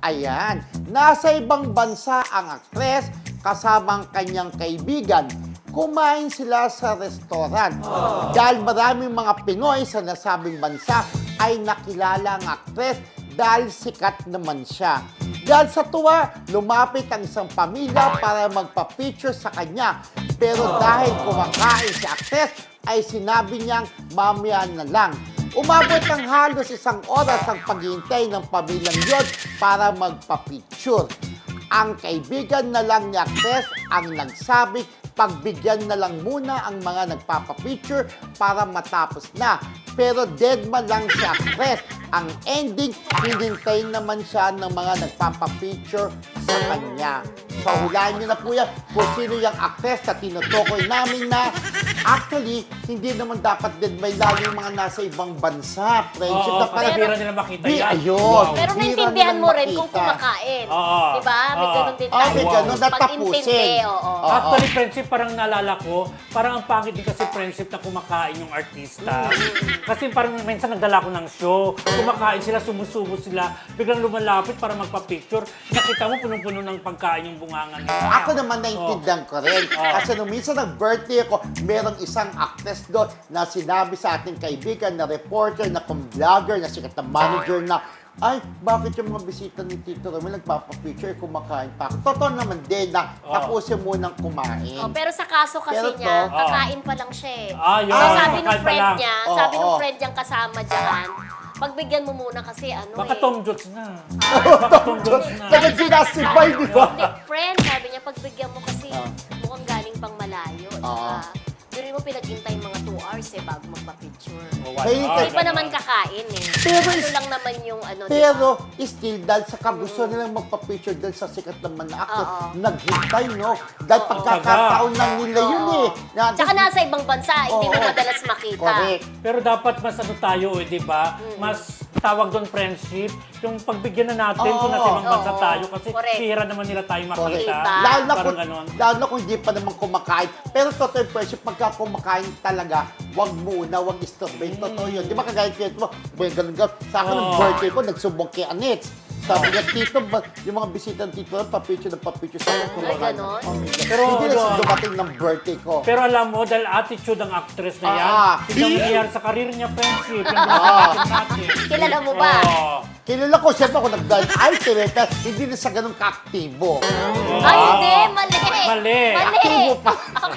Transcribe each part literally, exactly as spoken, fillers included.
Ayan, nasa ibang bansa ang aktres kasama ang kanyang kaibigan. Kumain sila sa restaurant. Dahil maraming mga Pinoy sa nasabing bansa ay nakilala ang aktres dahil sikat naman siya. Dahil sa tuwa, lumapit ang isang pamilya para magpa-picture sa kanya. Pero dahil kumakain si aktres, ay sinabi niyang mamaya na lang. Umabot ng halos isang oras ang paghihintay ng pamilyang yun para magpa-picture. Ang kaibigan na lang ni aktres ang nagsabi, pagbigyan na lang muna ang mga nagpapapicture para matapos na. Pero deadman lang si aktres. Ang ending, hinintay naman siya ng mga nagpapapicture sa kanya. So, hulaan niyo na po yan kung sino yung aktres na tinutukoy namin na actually, hindi naman dapat din may lalo yung mga nasa ibang bansa. Friendship Oo, na parang... bira nila makita Di, yan. ayun. Wow. Pero Bira naintindihan nilang mo rin kung makita. kumakain. Oo. Diba? May Oo. ganun din Oh, tayo. may ganun. Natapusin. Pag-intindi, oo. Oo. Actually, friendship, parang naalala ko, parang ang pangit din kasi friendship na kumakain yung artista. Kasi parang minsan nagdala ko ng show, kumakain sila, sumusubo sila, biglang lumalapit para magpa-picture. Nakita mo, punong-puno ng pagkain yung bungangan nila. Ako naman naintindihan ko rin. Oh. Kasi nung minsan nag-birthday ako, merong isang actress doon na sinabi sa ating kaibigan na reporter, na kung vlogger, na sikat na manager na, ay, bakit yung mga bisita ni Tito Romel nagpapapicture, kumakain pa ako? Totoo naman din na Oh. tapusin munang kumain. Oh, pero sa kaso kasi Pero to, niya, oh. kakain pa lang siya eh. Ah, yun. So, sabi ng Kakain pa friend lang. niya, Oo, sabi ng oo. friend niyang kasama dyan, pagbigyan mo muna kasi ano Baka eh. Tom Jones na. Baka Tom Jones na. Kapag sinasibay, di ba? Hindi, friend, sabi niya, pagbigyan mo kasi Ah. mukhang galing pang malayo. Oo. Diba? Pero mo pinaghintay mga two hours eh bago magpa-picture. Oh, wala. Kaya- Hindi pa ganun. naman kakain eh. Pero ano is- lang naman yung ano, Pero, diba? still, dahil sa kagusto nilang magpa-picture dahil sa sikat naman na actor, Oo. naghintay, no? Dahil Oo. pagkakataon lang nila yun Oo. eh. Na, Tsaka nasa ibang bansa, hindi mo Oo. madalas makita. Correct. Pero dapat mas ano tayo eh, di ba? Mas tawag doon friendship, yung pagbigyan na natin Oo. kung nasa ibang bansa Oo. tayo kasi Correct. pira naman nila tayo makita. Correct. Lalo na, Parang kung, ganon. lalo na kung hindi pa naman kumakain. Pero totoo yung friendship, pagka kumakain talaga, wag muna, wag istorbahin. Totoo yun. Di ba kagaya kaya mo, may ganun ganun. Sa akin, ng Oo. birthday ko, nagsumbong kay Anets. Sabi niya, Tito, ba, yung mga bisita ng Tito, papicture na papicture sa akin. Ay, ganon? Oh, my God. Pero hindi na ano, siya dumating ng birthday ko. Pero alam mo, dahil attitude ang actress na yan, Ah. tignan mo nangyari sa karir niya, friendship, yung ginagawa natin. Kilala mo ba? Oo. Kilala ko, siyempre ako nag-dive ay, Tireta, hindi na sa ganun ka-aktibo. Ay, hindi. Mali. Mali. Mali. Aktibo pa.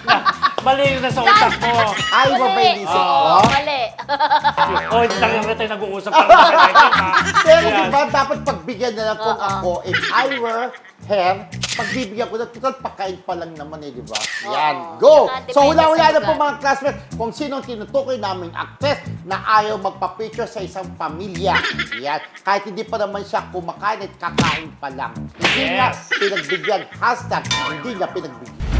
Mali yun na sa utak mo. Ay, Mali. ba ba yung isip Oo, ko? mali. O, hindi talaga tayo nag-uusap para sa Pero di ba, dapat pagbigyan na lang kung Oo. ako, if I were her, pagbibigyan ko na, total pagkain pa lang naman eh, di ba? Yan, Oo. go! Saka So, depende hula-hula sa na po lugar. mga classmates kung sino ang tinutukoy naming actress na ayaw magpa-picture sa isang pamilya. Yan. Kahit hindi pa naman siya kumakain at kakain pa lang. Hindi Yes. niya pinagbigyan. Hashtag, hindi niya pinagbigyan.